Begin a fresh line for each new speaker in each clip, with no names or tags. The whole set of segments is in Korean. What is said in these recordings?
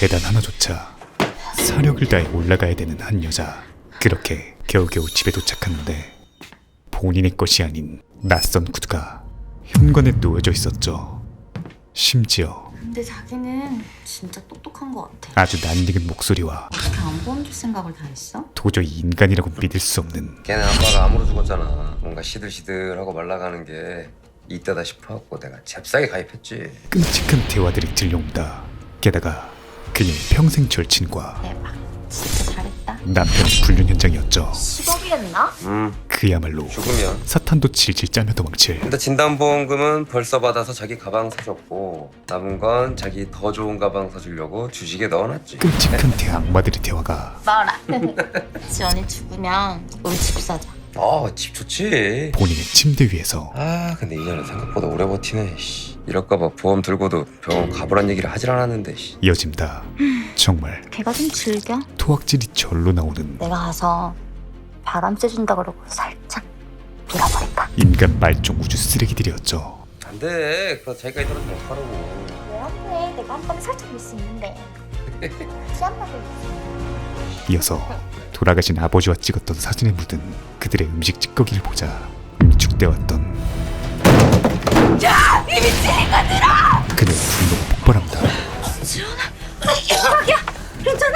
계단 하나조차 사력을 다해 올라가야 되는 한 여자. 그렇게 겨우겨우 집에 도착하는데 본인의 것이 아닌 낯선 구두가 현관에 놓여져 있었죠. 심지어
근데 자기는 진짜 똑똑한 것 같아.
아주 낯익은 목소리와
어떻게 안 보여줄 생각을 다 했어?
도저히 인간이라고 믿을 수 없는
걔네 아빠가 암으로 죽었잖아. 뭔가 시들시들하고 말라가는 게 이때다 싶어갖고 내가 잽싸게 가입했지.
끔찍한 대화들이 들려온다. 게다가 그녀의 평생 절친과
대박. 진짜 잘했다.
남편의 불륜 현장이었죠.
10억이랬나?
그야말로
죽으면.
사탄도 질질 짜며 도망칠.
근데 진단보험금은 벌써 받아서 자기 가방 사줬고 남은 건 자기 더 좋은 가방 사주려고 주식에 넣어놨지.
끔찍한 대악마들의 대화가
말아. 지원이 죽으면 우리 집 사자.
집 좋지.
본인의 침대 위에서
근데 이년은 생각보다 오래 버티네. 이럴까봐 보험 들고도 병원 가보란 얘기를 하질 않았는데.
이어집니다. 정말
걔가 좀 즐겨.
토악질이 절로 나오는
내가 가서 바람 쐬준다 그러고 살짝 밀어버릴까?
인간 말종 우주 쓰레기들이었죠.
안돼. 그거 자기가 있더라도 못하라고.
왜 안 돼? 내가 한 번에 살짝 밀 수 있는데. 시한 번에
이어서 돌아가신 아버지와 찍었던 사진에 묻은 그들의 음식 찌꺼기를 보자 응축되었던
야! 이 미친 인간들아!
그녀의 분노가 폭발합니다.
지원아, 자기야, 괜찮아?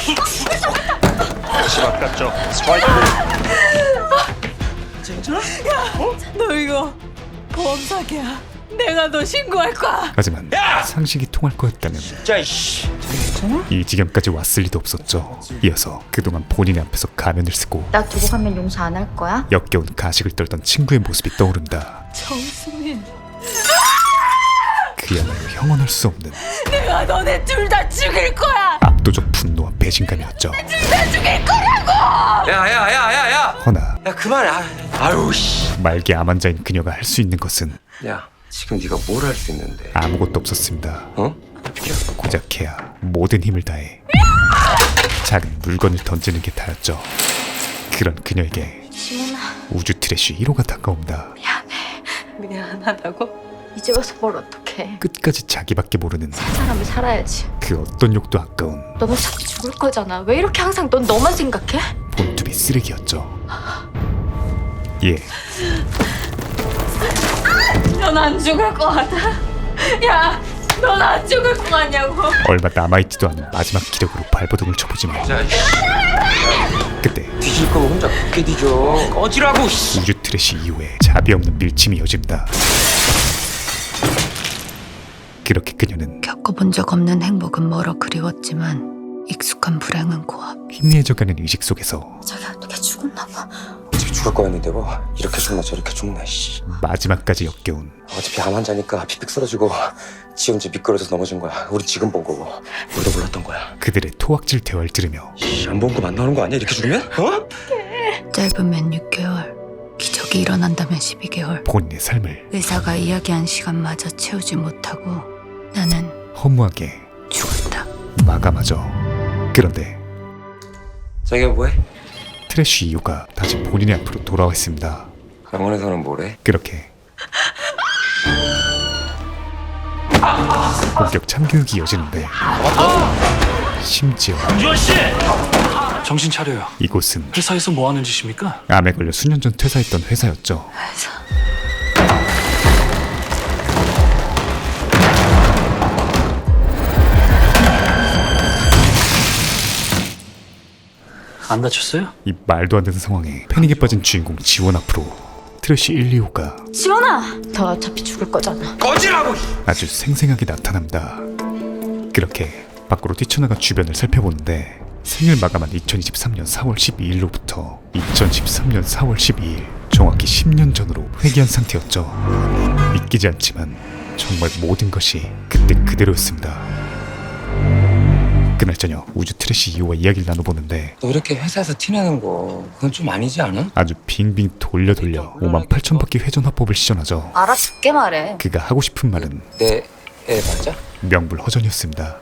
다시 바꿨죠. 스트라이크.
너 이거 보험 사기야. 내가 너 신고할 거야.
하지만 상식이 통할 거였다면
자, 이씨.
이 지경까지 왔을 리도 없었죠. 이어서 그동안 본인의 앞에서 가면을 쓰고
나 두고 가면 용서 안 할 거야?
역겨운 가식을 떨던 친구의 모습이 떠오른다.
정수민,
그야말로 형언할 수 없는
내가 너네 둘 다 죽일 거야.
압도적 분노와 배신감이었죠.
둘 다 죽일 거라고.
야야야야야야.
허나
야 그만해. 아유 씨.
말기 암환자인 그녀가 할 수 있는 것은
야 지금 네가 뭘 할 수 있는데?
아무것도 없었습니다.
어?
고작해야 모든 힘을 다해 작은 물건을 던지는 게 다였죠. 그런 그녀에게
지원아,
우주 트래쉬 1호가 다가온다.
미안하다고?
이제 와서 뭘 어떡해.
끝까지 자기밖에 모르는
사람이 살아야지.
그 어떤 욕도 아까운
넌 어차피 죽을 거잖아. 왜 이렇게 항상 넌 너만 생각해?
본투비 쓰레기였죠. 예,
넌 안 죽을 거 같아. 야, 넌 안 죽을 거 같냐고.
얼마 남아있지도 않은 마지막 기력으로 발버둥을 쳐보지만
자
그때
뒤질 거면 혼자 굳게 뒤져. 꺼지라고. 씨.
우주 트래쉬 이후에 자비 없는 밀침이 이어집니다. 그렇게 그녀는
겪어본 적 없는 행복은 멀어 그리웠지만 익숙한 불행은 고압.
희미해져가는 의식 속에서
자기야, 걔 죽었나 봐.
어차피 죽을 거였는데 뭐 이렇게 죽나 저렇게 죽나. 씨.
마지막까지 역겨운
어차피 암 환자니까 픽픽 쓰러지고 지 혼자 미끄러져서 넘어진 거야. 우리 지금 본 거고 우리도 몰랐던 거야.
그들의 토악질 대화를 들으며
안 본 거 만나는 거 아니야? 이렇게 죽으면? 어?
짧으면 6개월, 기적이 일어난다면 12개월.
본인의 삶을
의사가 이야기한 시간마저 채우지 못하고 나는
허무하게
죽었다.
마감하죠. 그런데
자기가 뭐해?
트래쉬 이후가 다시 본인의 앞으로 돌아와 있습니다.
병원에서는 뭐래?
그렇게 본격 참교육이 이어지는데 심지어
유원 씨! 정신 차려요.
이곳은
회사에서 뭐 하는 짓입니까?
암에 걸려 수년 전 퇴사했던 회사였죠.
안 다쳤어요?
이 말도 안 되는 상황에 패닉에 빠진 주인공 지원 앞으로 트래쉬 1, 2호가
지원아! 너 어차피 죽을 거잖아.
꺼지라고.
아주 생생하게 나타납니다. 그렇게 밖으로 뛰쳐나가 주변을 살펴보는데 생을 마감한 2023년 4월 12일로부터 2013년 4월 12일 정확히 10년 전으로 회귀한 상태였죠. 믿기지 않지만 정말 모든 것이 그때 그대로였습니다. 그날 저녁 우주 트래쉬 2호와 이야기를 나눠보는데
너 이렇게 회사에서 티내는 거 그건 좀 아니지 않아?
아주 빙빙 돌려 58,000바퀴 회전 화법을 시전하죠.
알아듣게 말해.
그가 하고 싶은 말은
내 애 맞아?
명불허전이었습니다.
뭐?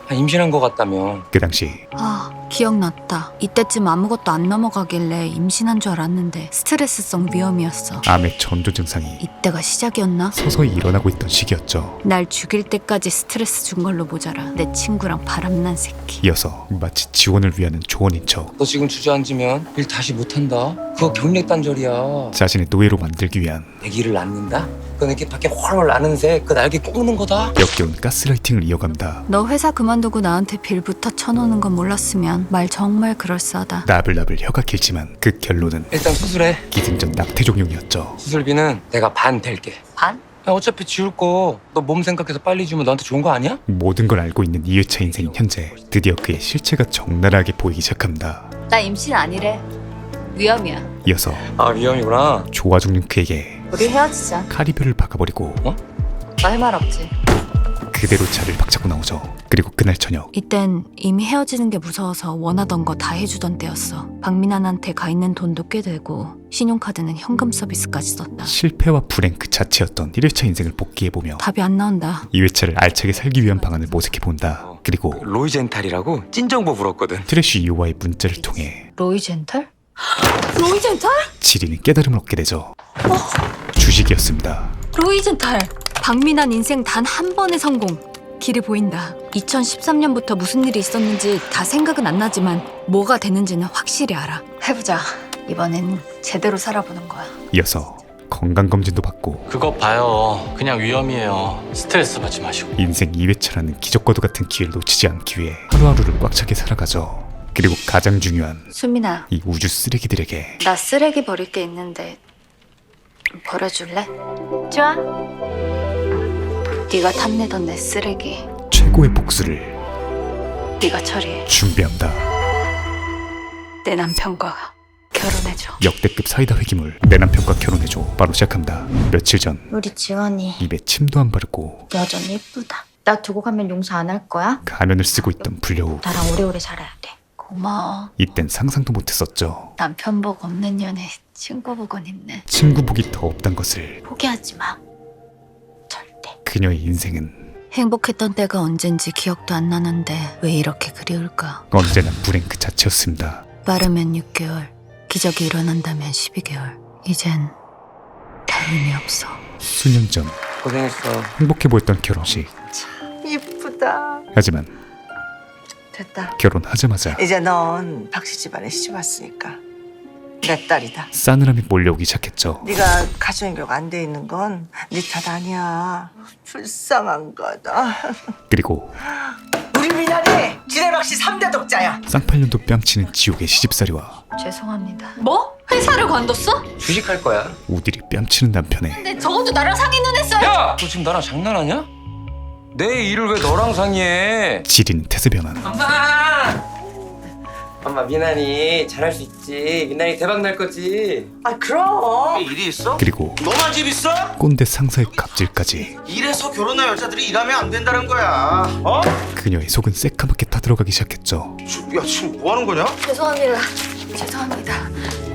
임신한 것 같다며.
그 당시
아, 기억났다. 이때쯤 아무것도 안 넘어가길래 임신한 줄 알았는데 스트레스성 위험이었어.
암의 전조 증상이
이때가 시작이었나?
서서히 일어나고 있던 시기였죠.
날 죽일 때까지 스트레스 준 걸로 모자라. 내 친구랑 바람난 새끼.
이어서 마치 지원을 위하는 조언인 척
너 지금 주저앉으면 일 다시 못한다. 그거 경력 단절이야.
자신의 노예로 만들기 위한
아기를 낳는다? 그건 이렇게 밖에 훨훨 나는 새 그 날개 꺾는 거다.
역겨운 가스라이팅을 이어갑니다.
너 회사 그만두고 나한테 빌부터 쳐놓는 건 몰랐으면 말 정말 그럴싸하다.
나불나불 혀가 길지만 그 결론은
일단 수술해.
기승전 낙태종용이었죠.
수술비는 내가 반 댈게.
반?
야, 어차피 지울 거 너 몸 생각해서 빨리 주면 너한테 좋은 거 아니야?
모든 걸 알고 있는 이회차 인생인 현재 드디어 그의 실체가 적나라하게 보이기 시작합니다.
나 임신 아니래. 위험이야.
이어서
아 위험이구나.
좋아 죽는 그에게
우리 헤어지자.
카리뷰를 박아버리고
나 할 말 없지.
그대로 차를 박차고 나오죠. 그리고 그날 저녁
이땐 이미 헤어지는 게 무서워서 원하던 거 다 해주던 때였어. 박민환한테 가 있는 돈도 꽤 되고 신용카드는 현금 서비스까지 썼다.
실패와 불행 그 자체였던 1회차 인생을 복귀해보며
답이 안 나온다.
2회차를 알차게 살기 위한 방안을 모색해본다. 그리고
로이젠탈이라고 찐정보 불었거든.
트래쉬 이호와의 문자를 통해
로이젠탈? 로이젠탈?
지리는 깨달음을 얻게 되죠. 주식이었습니다.
로이젠탈! 박민환 인생 단 한 번의 성공. 길이 보인다. 2013년부터 무슨 일이 있었는지 다 생각은 안 나지만 뭐가 되는지는 확실히 알아. 해보자. 이번엔 제대로 살아보는 거야.
이어서 건강검진도 받고
그거 봐요. 그냥 위험이에요. 스트레스 받지 마시고.
인생 2회차라는 기적과도 같은 기회를 놓치지 않기 위해 하루하루를 꽉 차게 살아가죠. 그리고 가장 중요한
수민아,
이 우주 쓰레기들에게
나 쓰레기 버릴 게 있는데 좀 버려줄래?
좋아.
네가 탐내던 내 쓰레기
최고의 복수를
네가 처리해.
준비합니다.
내 남편과 결혼해줘.
역대급 사이다 회기물 내 남편과 결혼해줘 바로 시작합니다. 며칠 전
우리 지원이
입에 침도 안 바르고
여전히 예쁘다. 나 두고 가면 용서 안 할 거야?
가면을 쓰고 있던 불려우.
나랑 오래오래 살아야 돼.
고마워.
이땐 상상도 못했었죠.
남편 복 없는 년에 친구 복은 있네.
친구 복이 더 없단 것을.
포기하지 마. 절대.
그녀의 인생은
행복했던 때가 언젠지 기억도 안 나는데 왜 이렇게 그리울까?
언제나 불행 그 자체였습니다.
빠르면 6개월, 기적이 일어난다면 12개월. 이젠 다 의미 없어.
수년 전
고생했어.
행복해 보였던 결혼식.
이쁘다.
하지만
됐다.
결혼하자마자
이제 넌 박씨 집안에 시집 왔으니까 내 딸이다.
싸늘함이 몰려오기 시작했죠.
네가 가정교육 안 돼 있는 건 네 탓 아니야. 불쌍한 거다.
그리고
우리 미나리 지뢰박씨 3대 독자야.
쌍팔년도 뺨치는 지옥의 시집살이와
죄송합니다. 뭐? 회사를 관뒀어?
주식할 거야.
우디리 뺨치는 남편의
근데 적어도 나랑 상의는 했어요.
야! 너 지금 나랑 장난하냐? 내 일을 왜 너랑 상의해?
지리는 태세 변환.
엄마 미나리 잘할 수 있지. 미나리 대박 날 거지.
아 그럼.
일이 있어?
그리고
너만 집 있어?
꼰대 상사의 갑질까지.
이래서 결혼한 여자들이 일하면 안 된다는 거야. 어?
그녀의 속은 새까맣게 타들어가기 시작했죠.
야 지금 뭐 하는 거냐?
죄송합니다. 죄송합니다.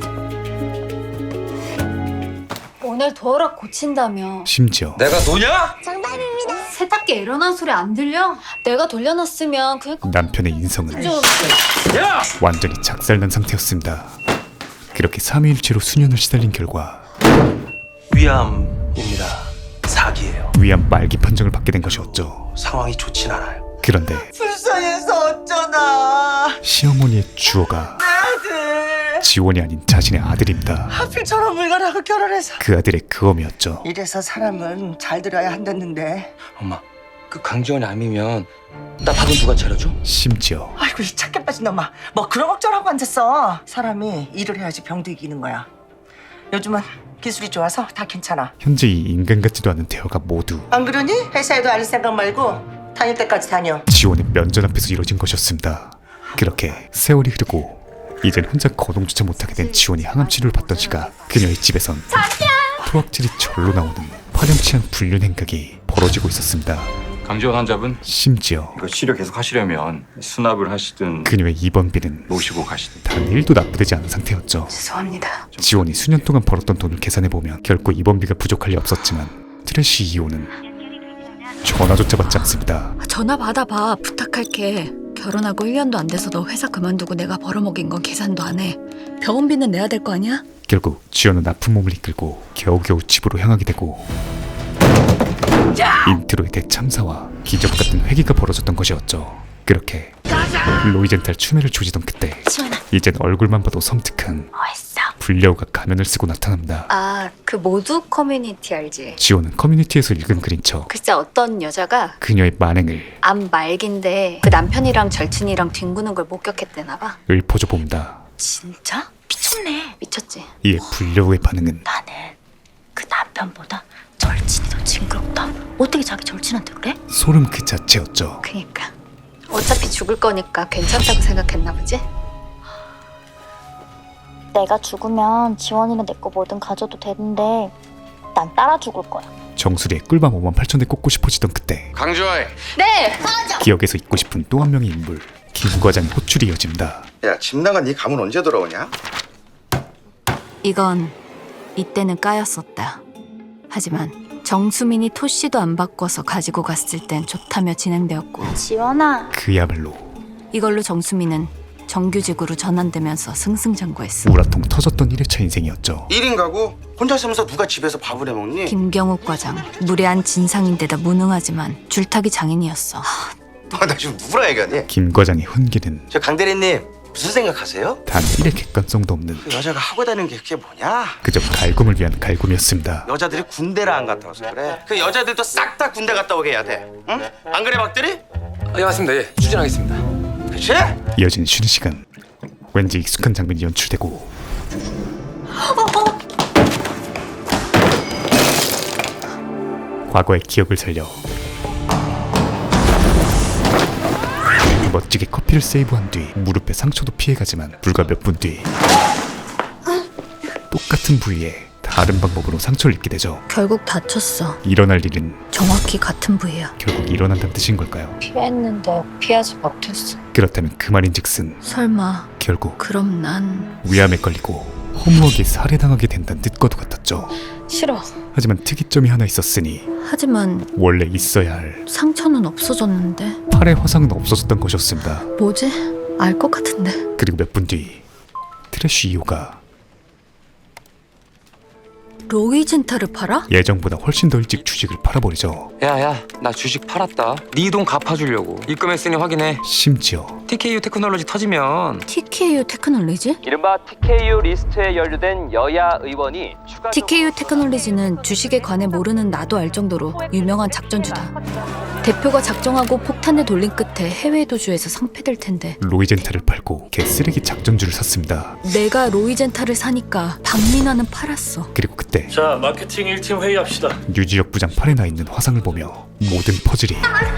오늘 도어락 고친다며.
심지어
내가 노냐?
세탁기 일어난 소리 안 들려? 내가 돌려놨으면 그니까
남편의 인성은
좀
야!
완전히 작살난 상태였습니다. 그렇게 3일치로 수년을 시달린 결과
위암입니다. 사기예요.
위암 말기 판정을 받게 된 것이었죠.
상황이 좋진 않아요.
그런데
불쌍해서 어쩌나.
시어머니의 주어가
아들.
지원이 아닌 자신의 아들입니다.
하필 저런 물건하고 결혼해서.
그 아들의 그엄이었죠.
이래서 사람은 잘 들어야 한다는데.
엄마, 그 강지원이 암이면 나 밥은 누가 차려줘?
심지어
아이고 이 착해 빠진 놈아. 뭐 그런 걱정하고 앉았어. 사람이 일을 해야지 병도 이기는 거야. 요즘은 기술이 좋아서 다 괜찮아.
현재 이 인간 같지도 않은 대화가 모두
안 그러니? 회사에도 알 생각 말고 다닐 때까지 다녀.
지원의 면전 앞에서 이뤄진 것이었습니다. 그렇게 세월이 흐르고 이젠 혼자 거동조차 못하게 된 지원이 항암 치료를 받던 시각 그녀의 집에선 토악질이 절로 나오는 화렴치한 불륜 행각이 벌어지고 있었습니다.
강지원 환자분
심지어
이거 치료 계속 하시려면 수납을 하시든
그녀의 입원비는
모시고 가시든.
단 1도 납부되지 않은 상태였죠.
죄송합니다.
지원이 수년 동안 벌었던 돈을 계산해보면 결코 입원비가 부족할 리 없었지만 트래쉬 이호는 전화조차 받지 않습니다.
전화 받아봐. 부탁할게. 결혼하고 1년도 안 돼서 너 회사 그만두고 내가 벌어먹인 건 계산도 안 해. 병원비는 내야 될 거 아니야?
결국 지연은 아픈 몸을 이끌고 겨우겨우 집으로 향하게 되고 인트로의 대참사와 기적 같은 회기가 벌어졌던 것이었죠. 그렇게 로이젠탈 추매를 조지던 그때
지원아,
이젠 얼굴만 봐도 섬뜩한
뭐했어?
불려우가 가면을 쓰고 나타납니다.
아, 그 모두 커뮤니티 알지?
지원은 커뮤니티에서 읽은 글인 척
글쎄 어떤 여자가
그녀의 만행을
암 말기인데 그 남편이랑 절친이랑 뒹구는 걸 목격했대나 봐.
읊어줘 봅니다.
진짜? 미쳤네.
미쳤지?
이에 불려우의 반응은
나는 그 남편보다 절친이 더 징그럽다. 어떻게 자기 절친한테 그래?
소름 그 자체였죠.
그니까 어차피 죽을 거니까 괜찮다고 생각했나 보지?
내가 죽으면 지원이는 내 거 뭐든 가져도 되는데 난 따라 죽을 거야.
정수리에 꿀밤 58,000대 꽂고 싶어지던 그때
강조해.
네!
기억에서 잊고 싶은 또 한 명의 인물 김 과장의 호출이 이어집니다.
야, 집 나간 네 가문 언제 돌아오냐?
이건 이때는 까였었다. 하지만 정수민이 토씨도 안 바꿔서 가지고 갔을 땐 좋다며 진행되었고
지원아,
그야말로
이걸로 정수민은 정규직으로 전환되면서 승승장구했어.
우라통 터졌던 1회차 인생이었죠.
1인 가구 혼자 있으면서 누가 집에서 밥을 해 먹니?
김경욱 과장, 무례한 진상인데다 무능하지만 줄타기 장인이었어.
나 지금 누구랑 얘기하니?
김 과장의 훈계는
저 강 대리님 무슨 생각하세요?
단 1의 객관성도 없는
그 여자가 하고 다니는 게 그게 뭐냐?
그저 갈굼을 위한 갈굼이었습니다.
여자들이 군대를 안 갔다 와서 그래. 그 여자들도 싹 다 군대 갔다 오게 해야 돼. 응? 안 그래 박대리?
예, 맞습니다. 예, 추진하겠습니다.
그치?
이어진 쉬는 시간 왠지 익숙한 장면이 연출되고 과거의 기억을 살려 멋지게 커피를 세이브한 뒤 무릎에 상처도 피해가지만 불과 몇 분 뒤 똑같은 부위에 다른 방법으로 상처를 입게 되죠.
결국 다쳤어.
일어날 일은
정확히 같은 부위야.
결국 일어난다는 뜻인 걸까요?
피했는데 피하지 못했어.
그렇다면 그 말인즉슨
설마
결국
그럼 난
위암에 걸리고 허무하게 살해당하게 된다는 뜻과도 같았죠.
싫어.
하지만 특이점이 하나 있었으니
하지만
원래 있어야 할
상처는 없어졌는데
팔의 화상은 없어졌던 것이었습니다.
뭐지? 알 것 같은데.
그리고 몇 분 뒤 트래쉬 2호가
로이젠타를 팔아?
예정보다 훨씬 더 일찍 주식을 팔아버리죠.
야야, 나 주식 팔았다. 네 돈 갚아주려고. 입금했으니 확인해.
심지어
TKU 테크놀로지 터지면
TKU 테크놀리지?
이른바 TKU 리스트에 연루된 여야 의원이 추가
TKU 테크놀리지는 주식에 관해 모르는 나도 알 정도로 유명한 작전주다. 대표가 작정하고 폭탄을 돌린 끝에 해외 도주에서 상패될 텐데
로이젠타를 팔고 개쓰레기 작전주를 샀습니다.
내가 로이젠타를 사니까 박민아는 팔았어.
그리고 그때
자, 마케팅 1팀 회의합시다.
유지혁 부장 팔에 나 있는 화상을 보며 모든 퍼즐이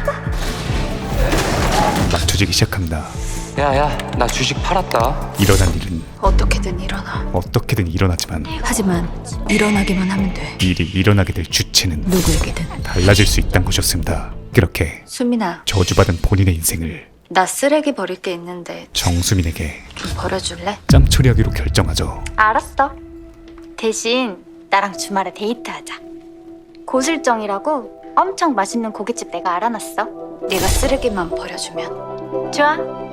맞춰지기 시작합니다.
야야, 나 주식 팔았다.
일어난 일은
어떻게든 일어나.
어떻게든 일어나지만
하지만 일어나기만 하면 돼.
일이 일어나게 될 주체는
누구에게든.
달라질 수 있다는 것이었습니다. 그렇게
수민아,
저주받은 본인의 인생을
나 쓰레기 버릴 게 있는데
정수민에게
좀 버려줄래?
짬 처리하기로 결정하죠.
알았어. 대신 나랑 주말에 데이트하자. 고슬정이라고 엄청 맛있는 고깃집 내가 알아놨어.
네가 쓰레기만 버려주면.
좋아.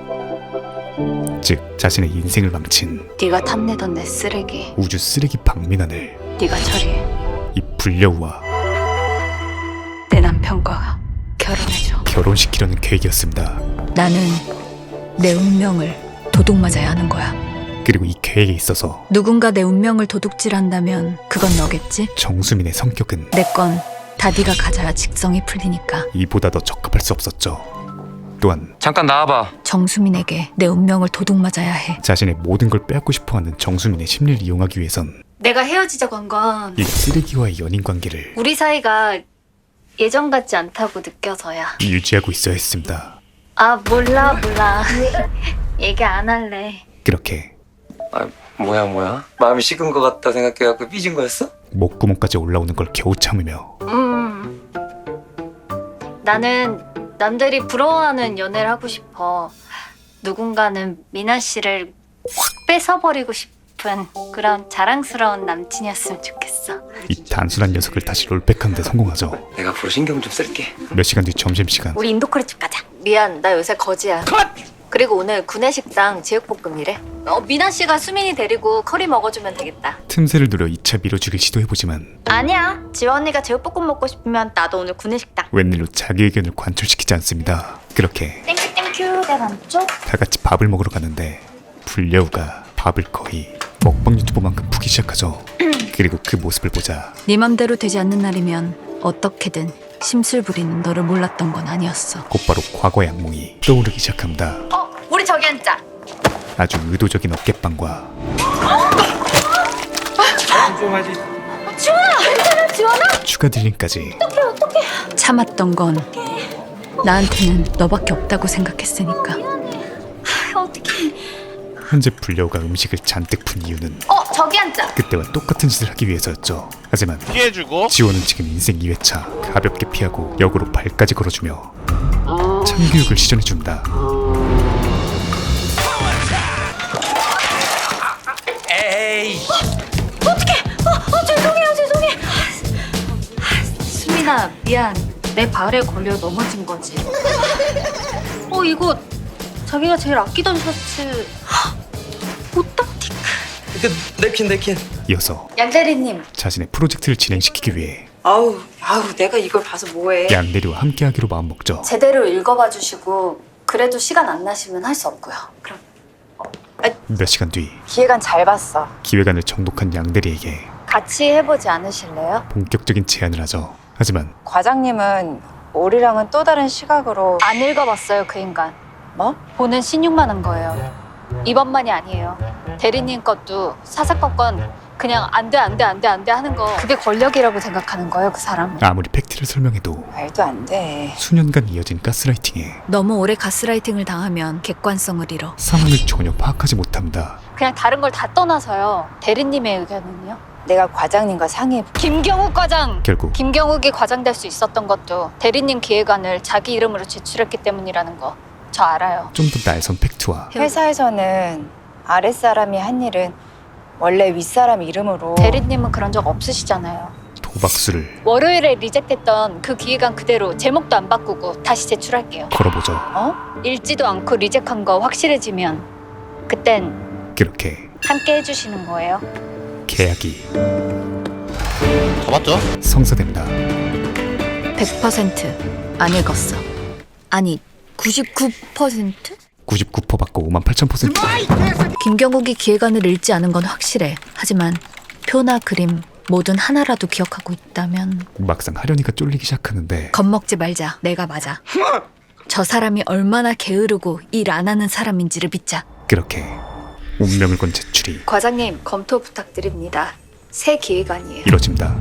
즉 자신의 인생을 망친
네가 탐내던 내 쓰레기
우주 쓰레기 박민환을
네가 처리해.
이 불려우와
내 남편과 결혼해줘.
결혼시키려는 계획이었습니다.
나는 내 운명을 도둑맞아야 하는 거야.
그리고 이 계획에 있어서
누군가 내 운명을 도둑질한다면 그건 너겠지?
정수민의 성격은
내 건 다 네가 가져야 직성이 풀리니까.
이보다 더 적합할 수 없었죠. 또한
잠깐 나와봐.
정수민에게 내 운명을 도둑맞아야 해.
자신의 모든 걸 빼앗고 싶어하는 정수민의 심리를 이용하기 위해선
내가 헤어지자고 한 건
이 쓰레기와의 연인 관계를
우리 사이가 예전 같지 않다고 느껴서야.
유지하고 있어야 했습니다.
아 몰라 얘기 안 할래.
그렇게
아, 뭐야? 마음이 식은 것 같다 생각해갖고 삐진 거였어?
목구멍까지 올라오는 걸 겨우 참으며
나는 남들이 부러워하는 연애를 하고 싶어. 누군가는 미나 씨를 확 뺏어버리고 싶은 그런 자랑스러운 남친이었으면 좋겠어.
이 단순한 녀석을 다시 롤백하는 데 성공하죠.
내가 앞으로 신경 좀 쓸게.
몇 시간 뒤 점심시간.
우리 인도커리집 가자.
미안, 나 요새 거지야. 그리고 오늘 구내식당 제육볶음이래. 미나 씨가 수민이 데리고 커리 먹어주면 되겠다.
틈새를 노려 2차 밀어주길 시도해보지만
아니야. 지원 언니가 제육볶음 먹고 싶으면 나도 오늘 구내식당.
웬일로 자기 의견을 관철시키지 않습니다. 그렇게
땡큐 내 반쪽.
다 같이 밥을 먹으러 가는데 불려우가 밥을 거의 먹방 유튜버만큼 푸기 시작하죠. 그리고 그 모습을 보자
네 맘대로 되지 않는 날이면 어떻게든 심술 부리는 너를 몰랐던 건 아니었어.
곧바로 과거의 악몽이 떠오르기 시작합니다.
우리 저기 앉자.
아주 의도적인 어깨빵과 추가 딜링까지
참았던 건 나한테는 너밖에 없다고 생각했으니까.
현재 불려우가 음식을 잔뜩 푼 이유는
저기 앉자.
그때와 똑같은 짓을 하기 위해서였죠. 하지만
피해주고
지호는 지금 인생 2회차 가볍게 피하고 역으로 발까지 걸어주며 참교육을 시전해준다.
수민아, 미안. 내 발에 걸려 넘어진 거지. 이거 자기가 제일 아끼던 셔츠.
냅킨.
이어서
양 대리님.
자신의 프로젝트를 진행시키기 위해
아우 내가 이걸 봐서 뭐해.
양대리와 함께하기로 마음먹죠.
제대로 읽어봐 주시고 그래도 시간 안 나시면 할 수 없고요. 그럼
몇 시간 뒤
기획안 잘 봤어.
기획안을 정독한 양대리에게
같이 해보지 않으실래요?
본격적인 제안을 하죠. 하지만
과장님은 우리랑은 또 다른 시각으로 안 읽어봤어요. 그 인간 뭐? 보는 신용만 한 거예요. 이번만이 아니에요. 대리님 것도 사사건건 그냥 안 돼 하는 거, 그게 권력이라고 생각하는 거예요. 그 사람
아무리 팩트를 설명해도
말도 안 돼.
수년간 이어진 가스라이팅에
너무 오래 가스라이팅을 당하면 객관성을 잃어.
상황을 전혀 파악하지 못합니다.
그냥 다른 걸 다 떠나서요. 대리님의 의견은요? 내가 과장님과 상의해. 김경욱 과장!
결국
김경욱이 과장 될 수 있었던 것도 대리님 기획안을 자기 이름으로 제출했기 때문이라는 거 저 알아요.
좀 더 날선 팩트와
회사에서는 아랫사람이 한 일은 원래 윗사람 이름으로. 대리님은 그런 적 없으시잖아요.
도박수를
월요일에 리젝됐던 그 기획안 그대로 제목도 안 바꾸고 다시 제출할게요.
걸어보죠.
읽지도 않고 리젝한 거 확실해지면 그땐
그렇게
함께 해주시는 거예요.
계약이
잡았죠?
성사됩니다.
100% 안 읽었어. 아니 99%?
99% 받고 58,000%.
김경욱이 기획안을 읽지 않은 건 확실해. 하지만 표나 그림 뭐든 하나라도 기억하고 있다면.
막상 하련이가 쫄리기 시작하는데
겁먹지 말자. 내가 맞아. 저 사람이 얼마나 게으르고 일 안 하는 사람인지를 믿자.
그렇게 운명을 건 제출이
과장님 검토 부탁드립니다. 새 기획안이에요.
이뤄집니다.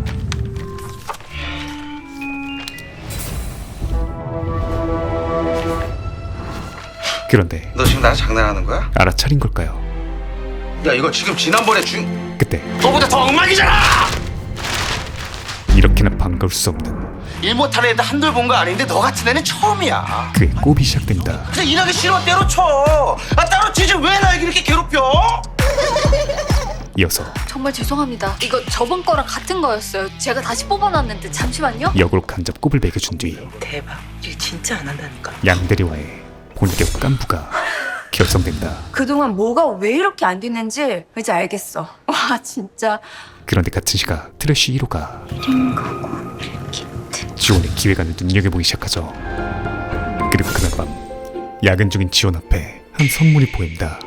그런데
너 지금 나랑 장난하는 거야?
알아차린 걸까요?
야 이거 지금 지난번에
그때
너보다 더 엉망이잖아!
이렇게나 반가울 수 없는
일 못하는 애들 한둘 본 거 아닌데 너 같은 애는 처음이야.
그의 꼽이 시작됩니다.
그냥 일하기 싫어 때려쳐. 따로 치지 왜 날 이렇게 괴롭혀?
이어서
정말 죄송합니다. 이거 저번 거랑 같은 거였어요. 제가 다시 뽑아놨는데 잠시만요.
역으로 간접 꼽을 매겨준 뒤
대박. 이거 진짜 안 한다니까.
양대리와의 본격 깐부가 결성된다.
그동안 뭐가 왜 이렇게 안 됐는지 이제 알겠어. 와 진짜.
그런데 같은 시각 트래쉬 1호가 지원의 기획안을 눈여겨보기 시작하죠. 그리고 그날 밤 야근 중인 지원 앞에 한 선물이 보입니다.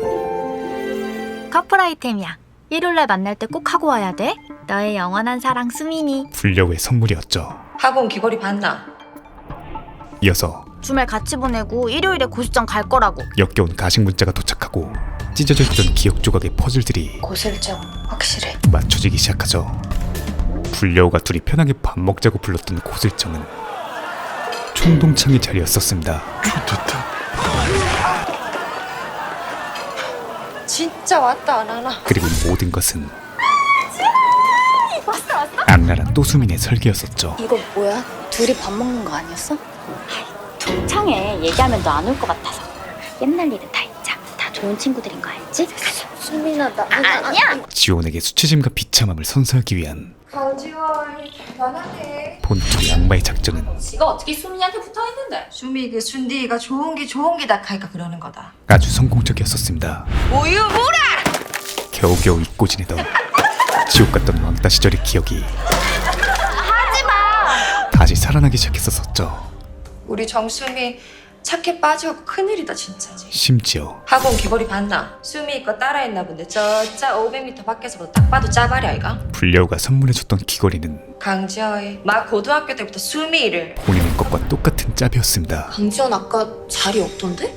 커플 아이템이야. 일요일날 만날 때 꼭 하고 와야 돼. 너의 영원한 사랑 수민이.
불려의 선물이었죠.
학원 귀걸이 봤나?
이어서
주말 같이 보내고 일요일에 고시장 갈 거라고.
역겨운 가식 문자가 도착하고 찢어져 있던 기억 조각의 퍼즐들이
고슬정 확실해.
맞춰지기 시작하죠. 불려우가 둘이 편하게 밥 먹자고 불렀던 고슬정은 총동창의 자리였었습니다.
진짜 왔다 안 하나?
그리고 이 모든 것은 악랄한 또수민의 설계였었죠.
이거 뭐야? 둘이 밥 먹는 거 아니었어?
창에 얘기하면 너 안 올 것 같아서. 옛날 일은 다 잊자. 다 좋은 친구들인 거 알지?
수민아 나
아니야.
지원에게 수치심과 비참함을 선사하기 위한
강지원 대단하네.
본투 양마의 작전은
지가 어떻게 수민이한테 붙어있는데? 수미 그 순디가 좋은 기다 카이까 그러는 거다.
아주 성공적이었었습니다.
우유 뭐라!
겨우겨우 잊고 지내던 지옥 같던 왕따 시절의 기억이
하지마!
다시 살아나기 시작했었죠.
우리 정수미 착해 빠지고 큰일이다 진짜지.
심지어
학원 귀걸이 봤나? 수미 거 따라했나 본데 저짜 500m 밖에서 딱 봐도 짜발이 아이가?
불려우가 선물해줬던 귀걸이는
강지아의 막 고등학교 때부터 수미를
본인의 것과 똑같은 짭이었습니다.
강지원 아까 자리 없던데?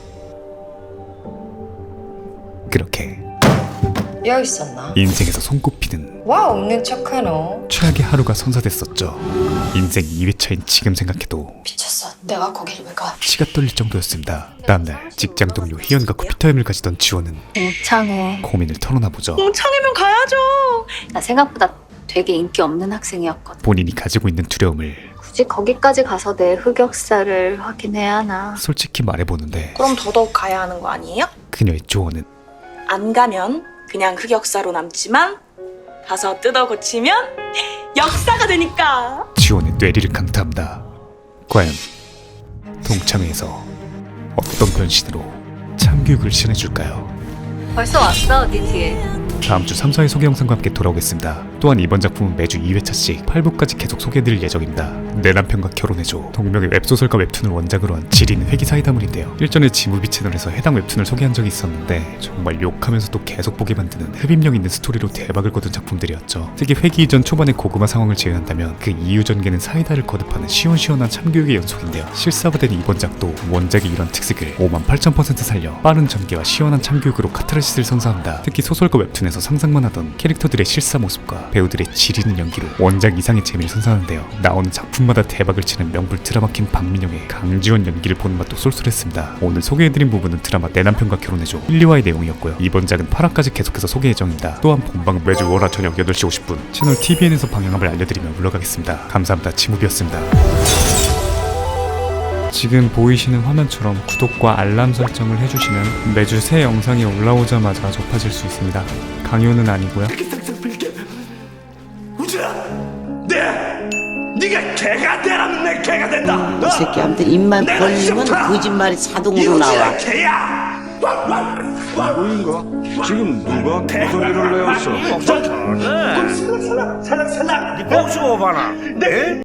그렇게
여기 있었나?
인생에서 손꼽히는
와 없는 척하노.
최악의 하루가 선사됐었죠. 인생 2회차인 지금 생각해도
미쳤어. 내가 거기를 왜 가?
치가 떨릴 정도였습니다. 다음날 직장 동료 희연과 커피타임을 가지던 지원은
옥창해.
고민을 털어놔보죠.
창이면 가야죠.
나 생각보다 되게 인기 없는 학생이었거든.
본인이 가지고 있는 두려움을
굳이 거기까지 가서 내 흑역사를 확인해야 하나.
솔직히 말해보는데
그럼 더더욱 가야 하는 거 아니에요?
그녀의 조언은
안 가면 그냥 흑역사로 남지만 가서 뜯어 고치면 역사가 되니까.
지원의 뇌리를 강타합니다. 과연 동창회에서 어떤 변신으로 참교육을 시연해줄까요?
벌써 왔어, 네 뒤에.
다음 주 3, 4회 소개 영상과 함께 돌아오겠습니다. 또한 이번 작품은 매주 2회차씩 8부까지 계속 소개해드릴 예정입니다. 내 남편과 결혼해줘. 동명의 웹소설과 웹툰을 원작으로 한 지린 회기 사이다물인데요. 일전에 지무비 채널에서 해당 웹툰을 소개한 적이 있었는데 정말 욕하면서도 계속 보게 만드는 흡입력 있는 스토리로 대박을 거둔 작품들이었죠. 특히 회기 이전 초반의 고구마 상황을 제외한다면 그 이후 전개는 사이다를 거듭하는 시원시원한 참교육의 연속인데요. 실사화된 이번 작도 원작의 이런 특색을 58,000% 살려 빠른 전개와 시원한 참교육으로 카타르시스를 선사합니다. 특히 소설과 웹툰에서 상상만 하던 캐릭터들의 실사 모습과 배우들의 지리는 연기로 원작 이상의 재미를 선사하는데요. 나오는 작품마다 대박을 치는 명불 드라마킨 박민영의 강지원 연기를 보는 맛도 쏠쏠했습니다. 오늘 소개해드린 부분은 드라마 내 남편과 결혼해줘 1, 2화의 내용이었고요. 이번 작은 8화까지 계속해서 소개 예정입니다. 또한 본방은 매주 월화 저녁 8시 50분 채널 TVN에서 방영함을 알려드리며 물러가겠습니다. 감사합니다. 지무비였습니다. 지금 보이시는 화면처럼 구독과 알람 설정을 해주시면 매주 새 영상이 올라오자마자 접하실 수 있습니다. 강요는 아니고요.
네가 개가 되라면 내 개가 된다.
이 새끼한테 입만 벌리면 거짓말이 자동으로 나와.
개야.
누구인가? 지금 누가 개소리를 내었어?
살락. 네 뽕 씹어 봐라.